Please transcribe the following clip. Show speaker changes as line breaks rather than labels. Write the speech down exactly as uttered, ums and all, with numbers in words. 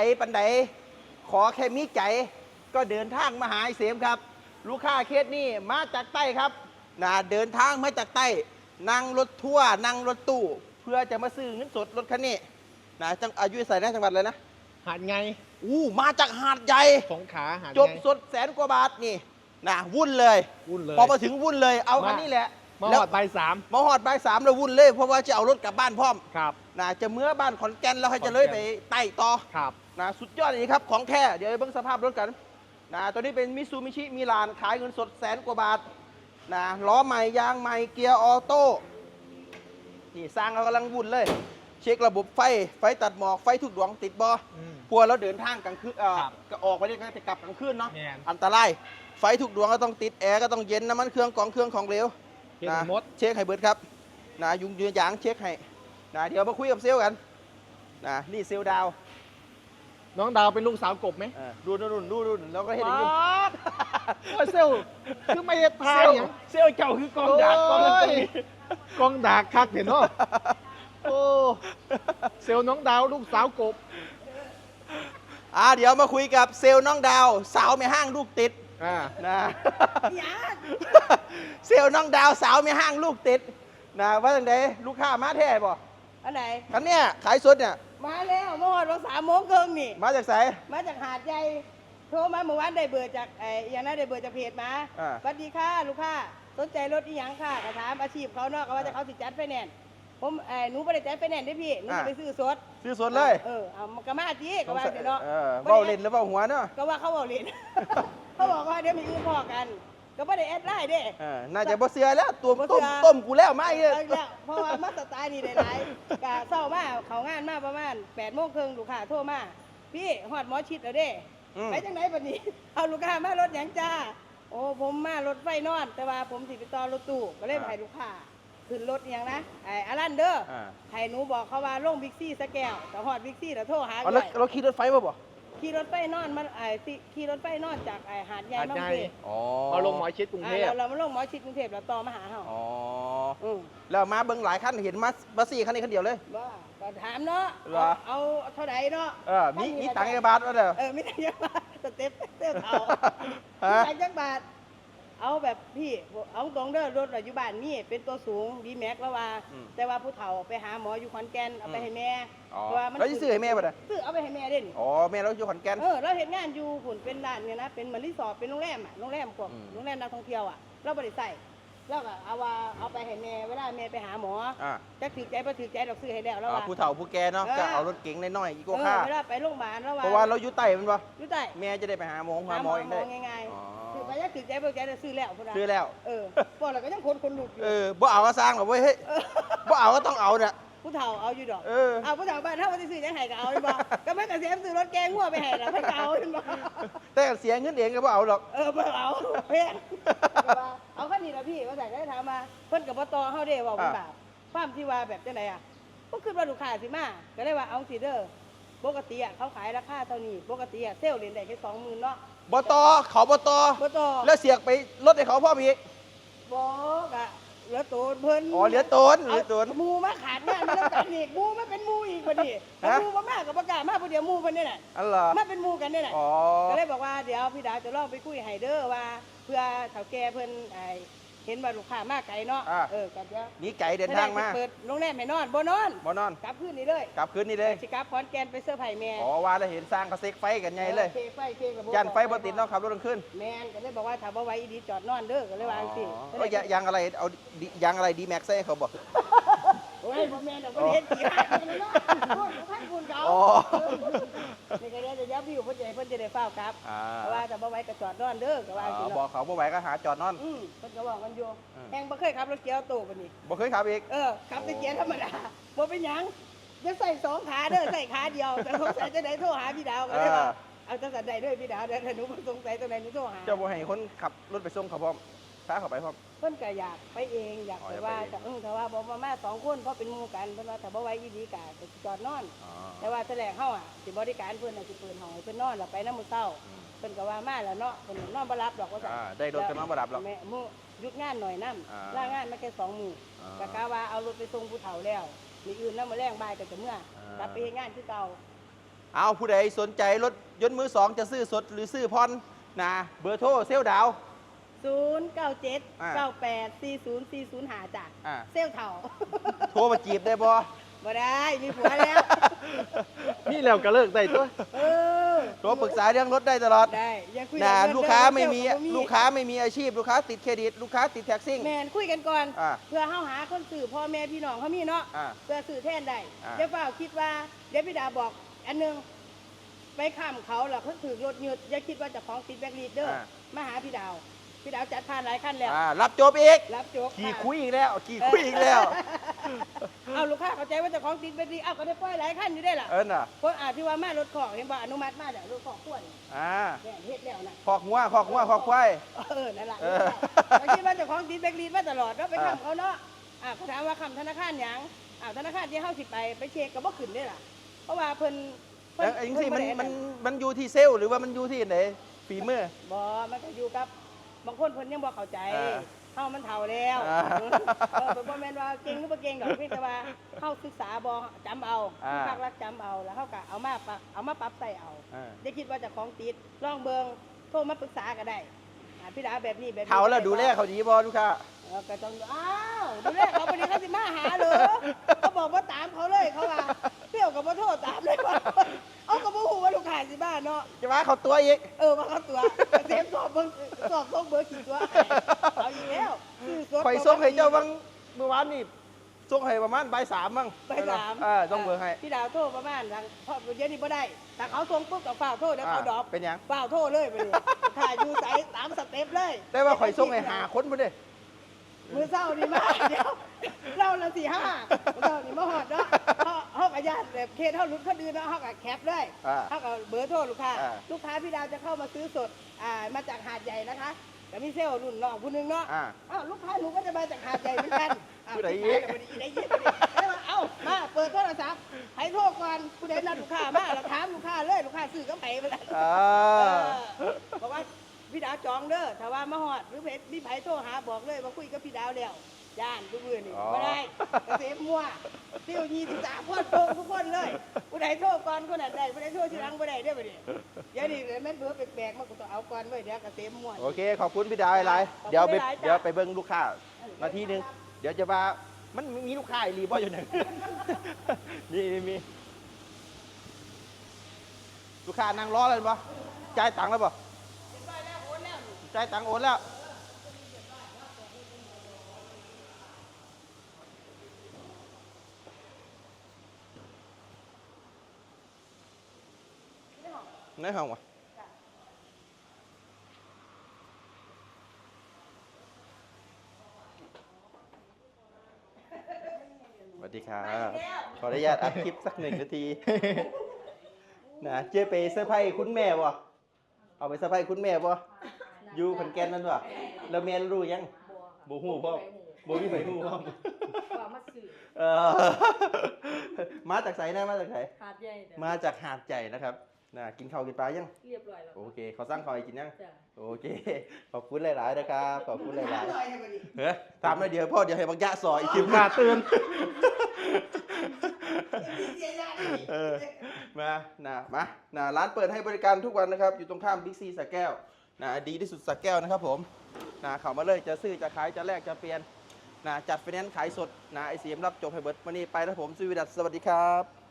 ปันใดขอแค่มีใจก็เดินทางมาหาไอ้เสมครับลูกค้าเคสนี่มาจากใต้ครับนะเดินทางมาจากใต้นั่งรถทัวร์นั่งรถตู้เพื่อจะมาซื้อเงินสดรถคันนี้นะจังอายุใส่นะจังหวัดเลยนะ
หาดไง
อู้มาจากหาดใหญ่
สงขลาหาด
จบสดแสนกว่าบาทนี่นะวุ่นเลย
วุ่นเลย
พอมาถึงวุ่นเลยเอาคันนี้แหละ
มาหอดใบสาม
มาหอดใบสามแล้ววุ่นเลยเพราะว่าจะเอารถกลับบ้านพร้อม
ครับ
นะจะเมื่อบ้านขอนแก่นแล้วให้จะเลยไปไต่ต่อ
ครับ
นะสุดยอดอย่างนี้ครับของแท้เดี๋ยวเบิ่งสภาพรถกันนะตัวนี้เป็นมิซูมิชิมิลานขายเงินสดแสนกว่าบาทนะล้อใหม่ยางใหม่เกียร์ออโต้นี่สร้างเรากำลังวุ่นเลยเช็คระบบไฟไฟตัดหมอกไฟทุกดวงติดบอพัวเราเดินทางกลางคืนเอ่อก็ออกไปเนี่ยก็จะกลับกลางคืนเนาะอันตรายไฟทุกดวงก็ต้องติดแอร์ก็ต้องเย็นน้ำมันเครื่องกองเครื่องของเหลวนะเช็คให้เบิดครับนะยุงยืนยางเช็คให้นะเดี๋ยวมาคุยกับเซลกันนะนี่เซลดาว
น้องดาวเป็นลูกสาวกบไหม
ดูดูดูดูดูแล้วก็เห็นอย่างนี้
เซลคือไม่ทายอย่าง
เซลเจ้าคือกองดากกอง
กองดากคักเห็นเนาะโอ้เซลน้องดาวลูกสาวกบ
อ่าเดี๋ยวมาคุยกับเซลน้องดาวสาวไม่ห้างลูกติดนะเซลน้องดาวสาวไม่ห้างลูกติดนะว่าอย่างไรลูกค้ามาแท้บ่
อันไหน
คันเนี้ยขายสดเนี่ย
มาแล้วเมื่อวานวันสามโมงครึ่งนี่
มาจากไส
มาจากหาดใหญ่โทรมาเมื่อวานได้เบอร์จากไอ้อย่างนั้นได้เบอร์จากเพจมาสวัสดีค่ะลูกค้าสนใจรถอีหยังค่ะกระถามอาชีพเขาเนาะก็ว่าจะเขาติดจัดไฟแนนซ์ผมไอ้หนูไม่ได้จัดไฟแนนซ์ได้พี่หนูจะไปซื้อสด
ซื้อสดเลย
เออเอากระมาจีก็ว่าเนาะ
เบ้าเล่นแล้วเบ้าหัวเนาะ
ก็ว่าเขาเบ้าเล่นเขาบอกว่าเดี๋ยวมีอื่นพอกันก็ไม่ได้แอดไลน์เด้
น่าจะบ่เสือแล้วตัวต้มต้มกูแล้วไม่เลย
เพราะว่ามาสไตล์นี่ได้หลายกะเศร้ามาเขางานมาประมาณแปดโมงครึ่งลูกค้าโทรมาพี่หอดหมอชิดแล้วเด้ไปจังไหนบัดนี้เอาลูกค้ามารถหยังจ้าโอ้ผมมารถไฟนอนแต่ว่าผมสิไปต่อรถตู้ก็เลยให้ลูกค้าขึ้นรถอย่างนะไอ้อารันเด้อให้หนูบอกเขาว่าลงบิ๊กซี่สแกวแต่หอดบิ๊กซี่แล้วโทรหา
ด้วยเราขี่รถไฟมาบ่
ขี่รถไฟนอนมาไอ้ขี่รถไฟนอนจากไอ้หาดใหญ่มาเทพ
มาลงหมอชิดกรุงเทพ
เรามาลงหมอชิดกรุงเทพแล้วต่อมาหาเขา
อ๋อแล้วมาเบิ้งหลายคันเห็นมาบัสซี่คันนี้คันเดียวเลย
ว่าก็ถามเนาะเอาเท่าไหร่เนาะ
เออมีมีตังค์กี่บาทวะเด้อ
เออมีตังค์กี่บาทสเต็ปเต้าเขาตังค์กี่บาทเอาแบบพี่เอาตรงเด้อรถปัจจุบันนี่เป็นตัวสูงดีแม็กแล้วว่าแต่ว่าผู้เฒ่าไปหาหมออยู่ขอนแก่นเอาไปให้แม่
ว่ามันเราจะซื้อให้แม่ป่ะเนี่ย
ซื้อเอาไปให้แม่เด่น
อ๋อแม่เราอยู่ขอนแก่น
เออเราเห็นงานอยู่ผุนเป็นร้านเนี่ยนะเป็นเหมือนรีสอร์ทเป็นโรงแรมอ่ะโรงแรมพวกโรงแรมนักท่องเที่ยวอ่ะเราบริใส่แล้วก็เอาว่าเอาไปให้แม่เวลาแม่ไปหาหมอจะถือใจไปถือใจเราซื้อให้แล้วแล้วว่า
ผู้เฒ่าผู้แก่เนาะก็เอารถเก๋งน้อยๆอีกก็ค่า
เวลาไปโรงพยาบาลแล้วว่า
เพราะว่าเราอยู่ใต้มันป่ะ
อยู่ใต้
แม่จะได้ไปหาหมอหาหมอเองได้
ง่ายๆถือไปจะถือใจไปใจเราซื้อแล้ว
ซื้อแล้ว
เออพอเราก็ยังคนคนหลุดอยู่
เออบ่เอาก็สร้างหรอกเว้ยเฮ้ยบ่เอาก็ต้องเอาเนี่ย
ผู้เฒ่าเอาอยู่ดอกเอาผู้เฒ่าบ้านถ้าวันที่ซื้อยังไห้ก็เอาเลยบ่ก็ไม่กระเสียมซื้อรถแกงหัวไปให้เราไม่เอาเลยบ่
แต่เสียเงินเองก็บ่เอาหรอก
เออบ่เอาเพื่อนเอาขั้นนี้ละพี่ว่าใส่ได้ถามมาเพิ่นกับปตเฮาเด้ว่าเป็นบาปความที่ว่าแบบจังไดอ่ะก็คือว่าลูกค้าสิมาก็เลยว่าเอาสิเด้อปกติอ่ะเขาขายราคาเท่านี้ปกติอ่ะเซลล์เล่นได้แค่สองหมื่นเนาะ
บตเขาบต
บต
แล้วเสียกไปลดให้เขาพ่ออีก
บอกอ่ะเหลือตูนเพิ่น
อ๋อเหลือตนเหลือตน
มูมาขาดงานมาแล้วกันอีกมูมาเป็นมูอีกพอดีมูมามากกับประกาศมาพอดีมูเพิ่นนี่แหละ
อ๋อเหรอ
มาเป็นมูกันนี่แหละก็เลยบอกว่าเดี๋ยวพี่ดาวจะลองไปคุยให้เด้อว่าเพื่อเฒ่าแก่เพิ่นไอ้เห็นว่าลูกค้ามากไกลเนาะเออกันเดี๋ยว
นี่ไก่เดินทางมา
เปิดโรงแรมไม่นอนบ่นอน
บ่นอน
กลับคืนนี้เลย
กลับคืนนี้เลย
สิกลับขอนแก่นไปเสื้อไผ่แม่
อ๋อว่าแล้วเห็นสร้างกระเซกไฟกันไงเลย
ไฟไฟกับ
ยันไฟบ่ติดเนาะขับรถกลางคืน
แม่นก็เลยบอกว่าถ้าบ่ไหวอีดีจอดนอนเด้อก็เลยวางสิ
ก็ยางอะไรเอายางอะไรดีแม็กซ์ให้เขาบอก
โอ้ยบ่แม่นดอกบ่เห็นกี่หาเลยเนาะโอ้ยท่านคุณเขานี่ก็เดี๋ยวจะยับวิวเพิ่นจะเพิ่นจะได้เฝ้าครับเพราะว่าถ้าบ่ไหวก็จอดนอนเด้อก็วางสิ
บอกเขาบ่ไหวก็หาจอดนอน
อือเพิ่นก็บอกกันอยู่แฮงบ่เคยขับรถเกียร์โตบัดนี้
บ่เคยขับอีก
เออขับแต่เกียร์ธรรมดาบ่เป็นหยังจะใส่สองขาเด้อใส่ขาเดียวแต่สงสัยจะได้โทรหาพี่ดาวก็ได้ว่าเอาจังซั่นได้เด้อพี่ดาวเด้อถ้าหนูสงสัยตรงไหนหนูโทรหา
เจ้าบ่ให้คนขับรถไปส่งเขาพร้อมพาเขาไปพร้อม
เพิ่นก็อยากไปเองอยากไปว่าแต่เออแต่ว่าบ่มามาสองคนเพราะเป็นหมู่กันเพิ่นว่าถ้าบ่ไหวอีหลีก็จะจอดนอนแต่ว่าแถลงเฮาอ่ะสิบริการเพิ่นน่ะสิเปิดห้องให้เพิ่นนอนแล้วไปนำมื้อเช้าเพิ่นก็ว่ามาแล้วเนาะเพิ่นนอนบ่หลับดอกว่าซั่น
ได้รถก็นอนบ่หลับหรอก
แม่มื้อหยุดงานหน่อยนำลางานมาแค่สองมื้อก็กะว่าเอารถไปส่งผู้เฒ่าแล้วมีอื่นนำมื้อแรงบ่ายก็จะเมื่อกลับไปเฮ็ดงานคือเก่า
เอาผู้ใดสนใจรถยนต์มือสองจะซื้อสดหรือซื้อผ่อนนะเบอร์โทรเซลลดาว
ศูนย์ เก้า เจ็ด
อ่า
เก้า แปด สี่ ศูนย์ สี่ ศูนย์ ห้าจ้ะ
อ่า
เซลลเถ่า
โทรมาจีบได้บ่
บ่ได้มีผัวแล้ว
นี่แล้วก็เลิกได้ตัว
เออ
โทรปรึกษาเรื่องรถได้ตลอด
ได้อย่าคุย
นะ
เรื่อง
ลูกค้าไม่มี
เรื่อง
ลูกค้าไม่มีอาชีพลูกค้าติดเครดิตลูกค้าติดแท็กซี่
แมนคุยกันก่อน
อ่า
เพื่อเฮาหาคนสื่อพ่อแม่พี่น้องเขามีเนาะ
อ่า
เพื่อสื่อแทนได้
อ่า
เดี๋ยวเปล่าคิดว่าเดี๋ยวพี่ดาบอกอันหนึงไปข้ามเขาแล้วเพิ่งถือรถหยุดอย่าคิดว่าเจะของติดแบ็คลีดเดอร์มาหาพี่ดาวพี่ดาวจัดผ่านหลายขั้นแล้ว
อ่ารับจบอีก
รับจบ
ขี่
ะ
คุยอีกแล้วขี่คุยอีกแล้ว
เอาลูกค้าเข้าใจว่าเจะของติดแบ็คลีดเอาก็ได้ปล่อยหลายขั้นอยู่ได้ล่ะ
เอิ้นน่ะ
คนอาจที่ว่ามารถของเห็นบ่อนุมัติมาแล้วรถของขวด
อ่า
แม่นเฮ็ดแล้วนะ
ขอกหัวขอกหัวขอกควาย
เออนั่นแหละ
เออ
เขาคิดว่าเจ้าของติดแบ็คลีดมาตลอดเราไป
อ่า
คำเขาเนาะอ่าเขาถามว่าคำธนาคารหยังอ่าธนาคารที่เฮาสิไปไปเช็คก็บ่ขึ้นได้ล่ะ เพราะว่าเพิ่นเพิ่
แล้วไอ้จังซี่มัน
เพิ่
มัน
บ่ได้
มันอยู่ที่เซลล์หรือว่ามันอยู่ที่ไหนฝีมือ
บ่มันก็อยู่กับบางคนเพิ่นยังบ่เข้าใจ
อ่า
เฮามันเฒ่าแล้ว
อ่า
เออบ่แม่นว่าเก่งหรือบ่เก่งดอกเพียงแต่ว่าเฮาศึกษาบ่จำเอา
อ่า
ภาครัฐจำเอาแล้วเฮาก็เอามาปรับเอามาปรับใส่เอา
อ่า
อย่าคิดว่าเจะของติดลองเบิ่งโทรมาปรึกษาก็ได้อ่าพี่ดาแบบนี้แบบนี้
เขาแล้วดูแลเขาดีบ่ลูกค้า
เออก็ต้องอ้าวดูแลเขาวันนี้เขาสิมาหาเหรอเขาบอกว่าตามเขาเลยเขาว่าเปรี้ยวกับว่าโทษตามเลยว่าเอากับว่าหูว่าลูกขายสิบ้านเนาะ
จะมาเขาตัวอีก
เออมาเขาตัวเซฟสอบเบิ่งสอบส่งเบอร์กี่ตัวเอาอยู่แล้วซื้อสด
ข่อยส่งให้เจ้าบางเมื่อวานนี่ส่งให้ประมาณบ่ายสามมั้ง
ไปสาม
เออต้องเบอร์ให้
พี่ดาวโทรประมาณทางเพราะเดี๋ยวนี้บ่ได้แต่เขาส่งปุ๊บกับฝ้าวโทษเดี๋ยวเขาดรอป
เป็นหยัง
ฝ้าวโทษเลยไปเลยถ่ายอยู่ใส่ตามสเต็ปเลย
แต่ว่าข่อยส่งให้หาคนพุ่นเด้
มือเศร้าดีมากเดี๋ยวเราละสี่ห้าเรานี่มาหอดเนาะเขาเขากับญาติแบบเคสเขาลุ้นเขาดื้อเนาะเขากับแคปด้วย
อ่า
เขากับเบอร์โทรลูกค้า
อ่า
ลูกค้าพี่ดาวจะเข้ามาซื้อสดอ่ามาจากหาดใหญ่นะคะแต่มีเซลล์รุ่นน้องผู้หนึงเนาะ
อ่า
อ้าวลูกค้าหนูก็จะมาจากหาดใหญ่เหมือนกันอ้าว
ผู้ใดอี
อี
ก
กผู้ใดอีกผู้ใดอีกได้มาเอ้ามาเปิดโทรศัพท์ให้โทรก่อนผู้ใดนัดลูกค้ามาเราถามลูกค้าเลยลูกค้าซื้อกับไผไปแล้ว
อ่า
เออบอกว่าพี่ดาวจองเด้อถ้าว่ามาหอดหรือเพจมีไผโทรหาบอกเลยว่าคุยกับพี่ดาวแล้วย่านทุกมือนี่ไม่ได้เกษมมั่วเที่ยวยี่สิบสามคนโทรทุกคนเลยผู้ใดโทรก่อนคนนั้นได้ผู้ใดโทรทีหลังผู้ใดได้อบ่ดิเดี๋ยวนี้แม่นเบอร์แปลกๆมันก็ต้องเอาก่อนไว้เดี๋ยวเกษมมั่ว
โอเค ขอบคุณพี่ดาวหลาย
ขอบคุณ
ๆเดี๋ยวไป
หลายๆจ้ะ
เดี๋ยวไปเบิ้งลูกค้านาทีหนึง เดี๋ยวจะมามันมีลูกค้าอีหลีบ่อยู่ไหน มีมีมีลูกค้านั่งรอแล้วบ่จ่ายตังค์แล้วบ่จ่ายตังค์โอนแล้ว ในห้องวะสวัสดีครับ ขออนุญาตอัดคลิปสักหนึ่งนาที นะเจ๊ไปเซอร์ไพรส์คุณแม่บ่เอาไปเซอร์ไพรส์คุณแม่บ่อยู่ขอนแก่นนั่นบ่แล้วแม่รู้ยังบ่ฮู้พ่อบ่มีไผฮู้พ่อ
ว่ามาสื่อ
เออ มาจากไสนะมาจากไส
หาดใหญ่เนี่ย
มาจากหาดใหญ่นะครับนะกินข้าวกินปลายัง
เรียบร้อยแล้ว
โอเค เขาสร้างข้าวให้กินยัง
จ้ะ
โอเค ขอบคุณหลาย ๆ นะครับ ขอบคุณหลาย
อร่อยให้บ่ดิ
ๆ เฮ้ยตามมาเดี๋ยวพ่อเดี๋ยวให้บังยะสอยอีกที
กินกาตื่น
เสียยาดิ
เออ มานะมานะร้านเปิดให้บริการทุกวันนะครับ อยู่ตรงข้ามบิ๊กซีสระแก้วนะดีที่สุดสระแก้วนะครับผมนะเข้ามาเลย จะซื้อ จะขาย จะแลก จะเปลี่ยนนะจัดไฟแนนซ์ขายสดนะไอเสียมรับจบให้เบิร์ดวันนี้ไปแล้วผมสุวิดัสสวัสดีครับ